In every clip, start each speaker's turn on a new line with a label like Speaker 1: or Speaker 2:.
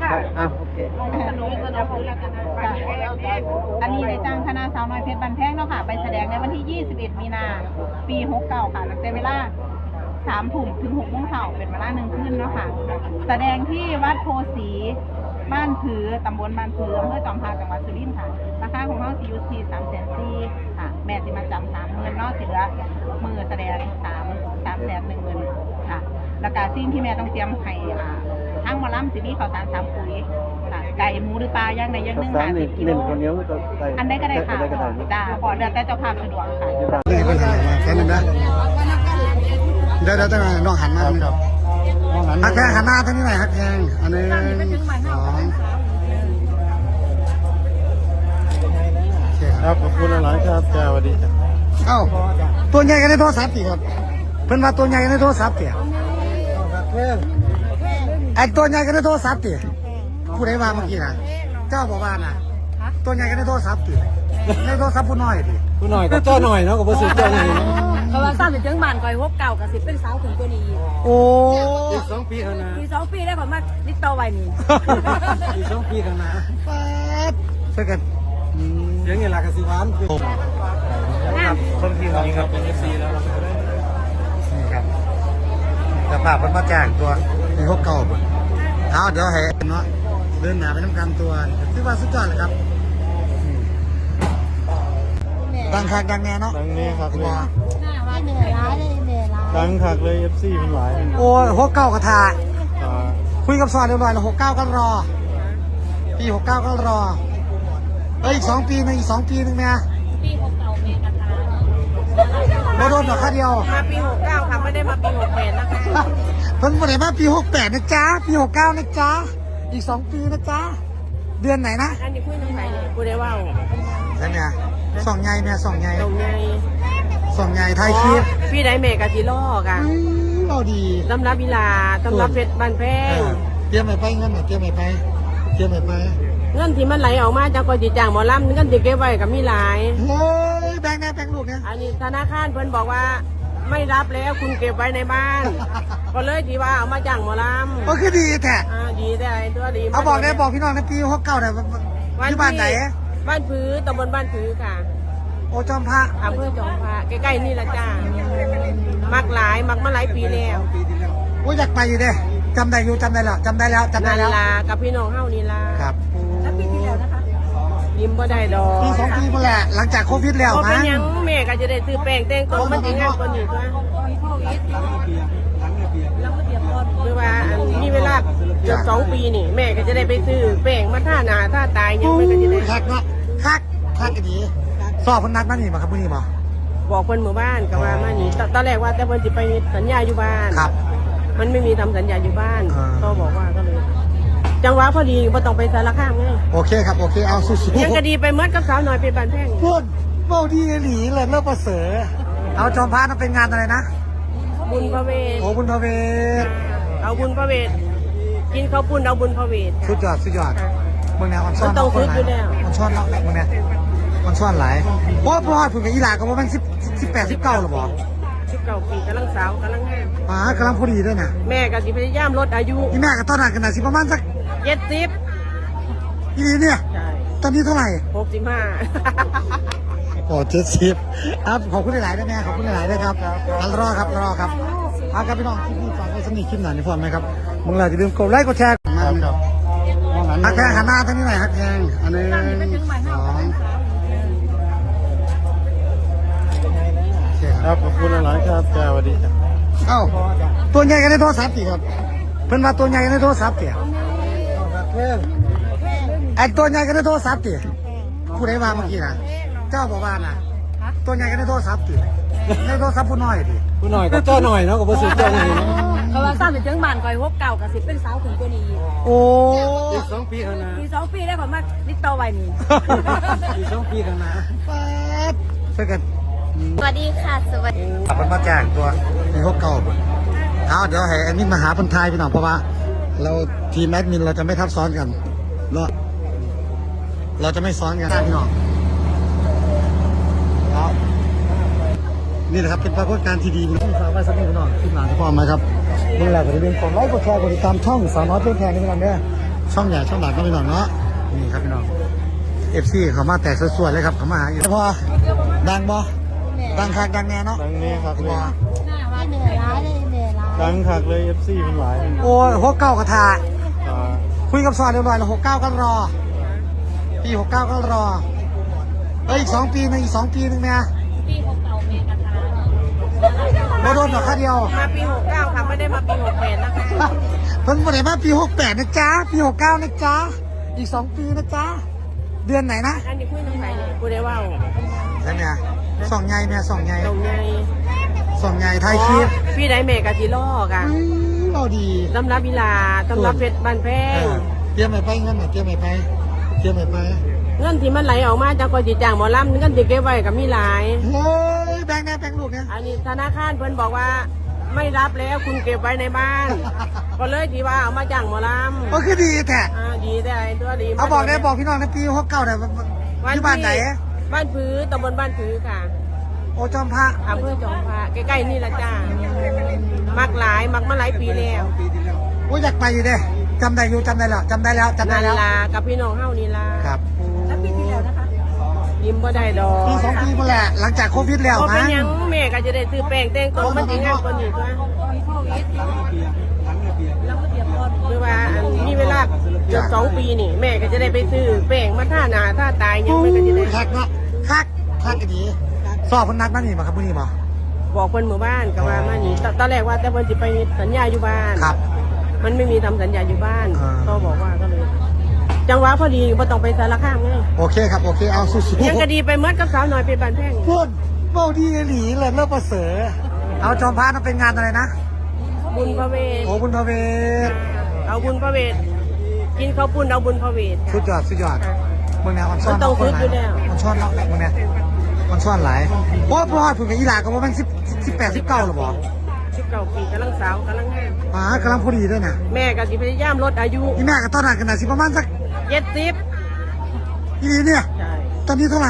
Speaker 1: โอเค
Speaker 2: อันนี้ในจ้างคณะสาวน้อยเพชรบันแพงเนาะค่ะไปแสดงในวันที่ 21 มีนาปี 69 ค่ะตั้งแต่เวลา3 ทุ่มถึง 6 โมงเช้าเป็นเวลา1 คืนเนาะค่ะแสดงที่วัดโพสีบ้านผือตำบลบ้านผืออำเภอจอมพาจังหวัดสุรินทร์ค่ะราคาของเราสิอยู่ที่340,000ค่ะแม่สิมาจำ30,000เนาะสิเหลือมือแสดง310,000ค่ะแล้วก็สิ่งที่แม่ต้องเตรียมให้ทั้งหมอลำสิมีข้าวสาร3 ปุ๋ยค่ะไก่หมูหรือปลาย่างใดย่างหนึ่ง50 กิโลอันใดก็ได้ค่ะจ้าพอเดือนแต่เจ้าภาพสะดวกค่ะ
Speaker 1: นี่คนหันมาแค่นึงนะเดี๋ยวต้องน้องหันมาครับฮักแพงหันหน้าท่านี้หน่อยฮักแพงอันนี้2
Speaker 3: ครับขอบคุณหลายครับจ้าสวัสดีจ้า
Speaker 1: เอ้าตัวใหญ่กันในโทรศัพท์สิครับเพิ่นว่าตัวใหญ่กันในโทรศัพท์สิไอ้ตัวใหญ่กันในโทรศัพท์สิผู้ใดว่าเมื่อกี้นะเจ้าบอกว่านะตัวใหญ่กันในโทรศัพท์สิในโทรศัพท์ผู้น้อยดิ
Speaker 3: ผู้หน่อยก็เจ้าหน่อยเนาะกับผู้สูงเจ้าหน่อย
Speaker 4: เขาว่าสร้างเป็นเจ้าบ้านคอยฮบเก่ากับสิเป็นสาวถึงตัวนี้
Speaker 1: โอ้
Speaker 3: อีก2 ปีข้างหน้า
Speaker 4: ปี2 ปีได้ผลมาลิตโตไว้นี่
Speaker 3: อีก2 ปีข้างหน้า
Speaker 1: เพื่อกัน
Speaker 3: เสียงเงินหลักสิหวานครับคนที่นี้ครับเป็น FC แล้ว
Speaker 1: นี่ครับจะพาเพิ่นมาแจ้งตัวในฮบเก่าเพิ่นเอาเดี๋ยวให้เนาะเดินหน้าไปน้ำกันตัวคือว่าสุดยอดเลยครับดังคักดังแน่เนาะ
Speaker 3: ดังแน่ครับเลย
Speaker 4: ดั
Speaker 3: ดังคักเลย FC มันหลาย
Speaker 1: โอ้ฮบเก่ากระทาคุยกับซอนเรียบร้อยแล้ว69ก็รอปี69ก็รออีก2 ปีนึงอีก2 ปีนึงแม่
Speaker 4: ปี6 เก่าแม่กระทา
Speaker 1: บ่โดนดอกค่าเดียว
Speaker 4: มาปี69ค่ะไม่ได้มาปี68นะคะ
Speaker 1: เพิ่นบ่ได้มาปี68นะจ๊ะปี69นะจ๊ะอีก2 ปีนะจ๊ะเดือนไหนนะ
Speaker 4: อันนี้คุยน้องไผ่เลยกูได้ว่า
Speaker 1: ใช่ไหมส่องใหญ่แม่ส่องใหญ่
Speaker 4: ตรงไง
Speaker 1: ส่องใหญ่ไทยคลิป
Speaker 4: พี่ได้แม่กะทิล่อกัน
Speaker 1: เราดี
Speaker 4: ตำรับวิลาตำรับเพชรบ้านแพง
Speaker 1: เตรียมไปเงินเตรียมไป
Speaker 4: เงินที่มันไหลออกมาจากคนจีจ่างหมอลำเงินที่เก็บไว้กับมีหลาย
Speaker 1: โอ้ยแบงค์ลูกเนี่ย
Speaker 4: อันนี้ธนาคารเพิ่นบอกว่าไม่รับแล้วคุณเก็บไว้ในบ้านก็เลยที่ว่าเอามาจ้างหมอลำ
Speaker 1: ก็คือดีแท้
Speaker 4: ดีแต่ตัวดี
Speaker 1: เอาบอกพี่น้องในปี69เนี่ยที่บ้านไหน
Speaker 4: บ้านผือตำบลบ้านผือค่ะ
Speaker 1: โอจอมพระ
Speaker 4: อำเภอจอมพระใกล้ๆนี่ละจ้ามักมาหลายปีแล้ว
Speaker 1: โอ้อยากไปอยู่เด้จำได้แล้ว
Speaker 4: ลากับพี่น้องเฮานี่ลา
Speaker 1: ครับ
Speaker 4: แล้วปีที่แล้วนะคะยิ้มบ่ได้ดอก
Speaker 1: ปี2 ปีมาแหละหลังจากโควิดแล้ว
Speaker 4: นะเป็นยังแม่ก็จะได้ซื้อแป้งแต่งตัวมันสิงามกว่านี้ตัวหรือว่ามีเวลาเกือบ2 ปีนี่แม่ก็จะได้ไปซื้อแป้งมาท่าหน้าท่าตายยังไม่ก็จะได้
Speaker 1: คักเนาะคักกันดีสอบคนนัดมานี่มาครับมื้อนี้มา
Speaker 4: บอกเพิ่นหมู่บ้านก็ว่ามานี่ตอนแรกว่าแต่เพิ่นสิไปสัญญาอยู่บ้าน
Speaker 1: ครับ
Speaker 4: มันไม่มีทำสัญญาอยู่บ้านก็บอกว่าก็เลยจังหวะพอดีบ่ต้องไปสารคามไง
Speaker 1: โอเคครับโอเคเอาสู้
Speaker 4: ๆยังก็ดีไปเมื่อกับสาวน้อยเป็นบ้านแพง
Speaker 1: พูดเมาดีหลีเลยเลิกประเสริฐเอาจอมพระนั่นเป็นงานอะไรนะ
Speaker 4: บุญพระเวท
Speaker 1: โอ้บุญพระเวท
Speaker 4: เอาบุญพระเวทกินข้าวปุ้นเอาบุญพระเวท
Speaker 1: สุดยอดเมืองแนวมันซ่อน
Speaker 4: ต้องซื้ออยู่แล้ว
Speaker 1: มันซ่อนแล้วเมืองแนวมันซ่อนหลายโอ้พ่อผมกับอีหลาก็ว่ามัน18 19หรอบ่
Speaker 4: 19 ปีกำลังสาวกำลังง
Speaker 1: ามกำลังพอดีด้วยนะ
Speaker 4: แม่ก็สิพยายามลดอายุ
Speaker 1: นี่แม่ก็ตอนนั้นกันนะสิประมาณสัก
Speaker 4: 70
Speaker 1: อีนี่เนี่ยตอนนี้เท่าไหร่
Speaker 4: 65
Speaker 1: โอ้70ครับขอบคุณหลายๆด้วยแม่ขอบคุณหลายๆด้วยครับรอครับเอาครับพี่น้องที่ฝากไว้สนิทคลิปหน่อยนี่พอไหมครับมึงอย่าลืมกดไลค์กดแชร์ครับฮักแพงหันหน้าท่านี้หน่อยฮักแพงอันนี้2
Speaker 3: ครับขอบคุณหลายครับจ้าสวัสดีจ้า
Speaker 1: เอ้าตัวใหญ่กันในโทรศัพท์สิครับเพิ่นว่าตัวใหญ่กันในโทรศัพท์สิไอ้ตัวใหญ่กันในโทรศัพท์สิผู้ใดว่าเมื่อกี้นะเจ้าบอกว่านะตัวใหญ่กันในโทรศัพท์สิในโทรศัพท์ผู้น้อยดิ
Speaker 3: ผู้หน่อยก็เจ้าหน่อยเนาะกับผู้สูงเจ้าหน่อย
Speaker 4: เขาว่าสร้างเป็นเจ้าบ้านคอยฮบเก่ากับสิเป็นสาวถึงตัวนี้
Speaker 1: โอ้
Speaker 3: อีก2 ปีข้างหน้า
Speaker 4: ปี2 ปีได้ผลมาลิตโตไว้นี่
Speaker 3: อีก2 ปีข้างหน้า
Speaker 1: เพื่อกัน
Speaker 4: สวัสดีค่ะสวัสดี
Speaker 1: ขับรถมาแจ้งตัวในฮบเก่าเอาเดี๋ยวให้แอดมินมาหาคนไทยพี่น้องเพราะว่าเราทีมแอดมินเราจะไม่ทับซ้อนกันเราจะไม่ซ้อนกันพี่น้องนี่แหละครับเป็นปรากฏการณ์ที่ดีที่ฝากไว้สักนิดพี่น้องที่หลานที่พ่อมาครับนี่แหละก็จะเป็นกดไลค์กดแชร์กดติดตามช่องสาวน้อยเพื่อนแทนนี่พี่น้องเนี่ยช่องใหญ่ช่องหลักก็พี่น้องเนาะนี่ครับพี่น้อง FC เขามาแตกสวยๆเลยครับเขามาหาอยู่พอดังบ่ดังคักดังแน่เนาะ
Speaker 3: ดังนี้ครับเลย
Speaker 5: เหนื่อยล้าเลยเหนื่อยล้า
Speaker 3: ดังคักเลย FC เป็นหลาย
Speaker 1: โอ้ย69กระทา
Speaker 3: อ่า
Speaker 1: คุยกับซอยเรียบร้อยแล้ว69ก็รอปี69ก็รออีก2 ปีนึงอีก2 ปีนึงเนี่ย
Speaker 5: ปีของเก่าเมกะทา
Speaker 1: บ่โดนหรอกค่าเดียว
Speaker 4: มาปี69ค่ะไม่ได้มาปี68นะคะ
Speaker 1: เพิ่นบ่ได้มาปี68นะจ๊ะปี69นะจ๊ะอีก2 ปีนะจ๊ะเดือนไหนนะ
Speaker 4: อันนี้คุยน้องไหนเนี่ยกูได้ว่า
Speaker 1: แล้วเนี่ยส่องใหญ่แม่ส่องใหญ่
Speaker 4: ตรงไง
Speaker 1: ส่องใหญ่ไทยคลิป
Speaker 4: พี่ได้แม่กะจิล่อกัน
Speaker 1: เราดี
Speaker 4: ตำรับวิลาตำรับเพชรบ้านแพง
Speaker 1: เตรียมไปไปเงินเตรียมไปไปเตรียมไปไป
Speaker 4: เงินที่มันไหลออกมาจากกอจิจ้างหมอลำเงินที่เก็บไว้กับมีหลาย
Speaker 1: โอ้ยแบงค์แน่แบงค์ลูกเนี่ย
Speaker 4: อันนี้ธนาคารเพิ่นบอกว่าไม่รับแล้วคุณเก็บไว้ในบ้าน ก็เลยที่ว่าเอามาจ้างหมอลำ
Speaker 1: ก็คือดีแท้
Speaker 4: ดีแต่ไอ้ตัวดี
Speaker 1: เอาบอกได้บอกพี่น้องในปี69เนี่ยอยู่บ้านไหน
Speaker 4: บ้านผือตำบลบ้านผือค่ะ
Speaker 1: โอจอมพระ
Speaker 4: อำเภอจอมพระใกล้ๆนี่ละจ้ามักหลายมักมาหลายปีแล้ว
Speaker 1: โอ้ยอยากไปอยู่เด้จำได้อยู่จำได้แล้วจำได้แล้วจำได้
Speaker 4: นา
Speaker 1: แล้ว
Speaker 4: ลากับพี่น้องเฮานี่ล่ะ
Speaker 1: ครับ
Speaker 4: แล้วปีที่แล้วนะคะยิ้มบ่ได้ดอก
Speaker 1: ปี2 ปีมาแหละหลังจากโควิดแล้ว
Speaker 4: ก็เป็
Speaker 1: มั้
Speaker 4: น
Speaker 1: ง
Speaker 4: หยังแม่ก็จะได้ซื้อแป้งแต่งตัวมันสิงามกว่านี้ตัวคือว่ามีเวลาเกือบ2 ปีนี่แม่ก็จะได้ไปซื้อแป้งมาท่าหน้าท่าตายหยังไม่ก็จะได้
Speaker 1: คักเนาะคักกันดีสอบพนักนั่นนี่มาครับพวกนี้มา
Speaker 4: บอกเพิ่นหมู่บ้านก็ว่ามานี่ตอนแรกว่าแต่เพิ่นสิไปสัญญาอยู่บ้าน
Speaker 1: ครับ
Speaker 4: มันไม่มีทำสัญญาอยู่บ้าน
Speaker 1: อ่า
Speaker 4: ก็บอกว่าก็เลย จังหวะพอดีบ่ต้องไปสารคามไง
Speaker 1: โอเคครับโอเคเอาสู้
Speaker 4: ยังก็ดีไปเมื่อกับสาวหน่อยเป็นบ้านแพง
Speaker 1: ๆพูดเบ้าดีหลีเลยเลิกประเสริฐเอาจอมพระนั่นเป็นงานอะไรนะ
Speaker 4: บุญพระเวท
Speaker 1: โอ้บุญพระเวท
Speaker 4: เอาบุญพระเวทกินข้าวปุ้นเอาบุญพระเวท
Speaker 1: สุดยอดสุดยอดเมืองแนวมันซ่อน
Speaker 4: มันต้อง
Speaker 1: คนหลา
Speaker 4: ฝึกอยู่แล้ว
Speaker 1: มันซ่อนเนาะเมืองแนวมันซ่อนหลายโอ้พ่อถึงกับอีหลาก็ว่ามัน18 19หรอบ่
Speaker 4: 19 ปีกำลังสาวกำลังงาม
Speaker 1: กำลังพอดีด้วยนะ
Speaker 4: แม่ก็สิพยายามลดอายุ
Speaker 1: นี่แม่กับตอนนั้นกันนะสิประมาณสัก
Speaker 4: 70
Speaker 1: อีนี้เนี่ย
Speaker 4: ใช่
Speaker 1: ตอนนี้เท่าไหร่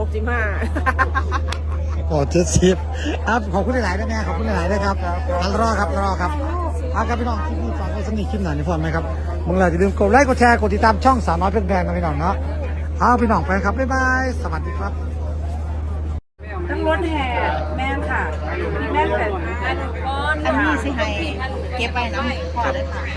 Speaker 4: 65
Speaker 1: โอ้70ครับขอบคุณหลายๆนะแม่ขอบคุณหลายๆนะครับรอครับเอาครับพี่น้องที่นี่ฟังก็สนิทคลิปหน่อยนี่พอไหมครับมึงเราจะลืมกดไลค์กดแชร์กดติดตามช่องสาวน้อยเป็นแบงค์นะพี่น้องเนาะเอาพี่น้องไปครับบ๊ายบายสวัสดีครับ
Speaker 2: ทั้งรถแห่แม่ค่ะแม่แต่อันนี้สิให้เก็บไปน้ำพอเลยค่ะ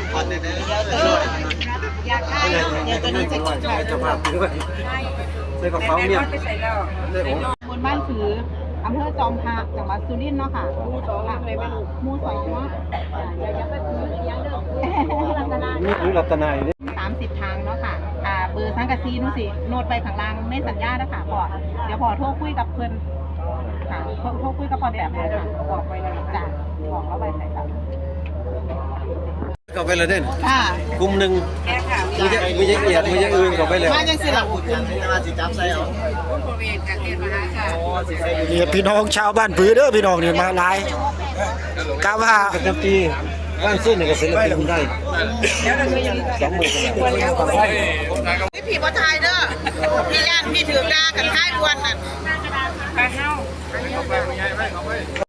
Speaker 2: อยากได้เดี๋ยวตัวนี้จะกินค่ะ
Speaker 3: จะมาด้วยใส่กระเป๋าเมียได้โอ้
Speaker 2: บนบ้านผืออำเภอจอมพระจังหวัดสุรินทร์เนาะค่ะหมู่2เลยไม่รู้หมู่2เนาะอย่าไปถือเลี้ยงเด้อ
Speaker 3: นี่คือรัตนายนี่
Speaker 2: 30 ทางเนาะค่ะเบอร์สังกะซีนู่นสิโน้ตไปข้างล่างในสัญญาแล้วค่ะพอเดี๋ยวพอโทรคุยกับเพิ่นค่ะโทรคุยกับพอแบบเลยค่ะบอกไปเลยจ้ะบอกแล้วไปใส่ครับ
Speaker 3: ก็ไปเลยเด่น
Speaker 2: ค่ะ
Speaker 3: กลุ่มหนึ่ง
Speaker 2: แค่ค่ะ
Speaker 3: มีจะเอียดมีจะอื่นก็ไปเลย
Speaker 2: มาจังสิล่ะคุณ
Speaker 1: นี่พี่น้องชาวบ้านผือเด้อพี่น้องเนี่ยมาหลายกาว่า
Speaker 3: ประจำปีบ้านซุ่นเนี่ยก็เป็นระเบียบได้20,000
Speaker 2: พี่ผีบ่ทายเด้อพี่ย่านพี่ถือดากันท้ายวันน่ะ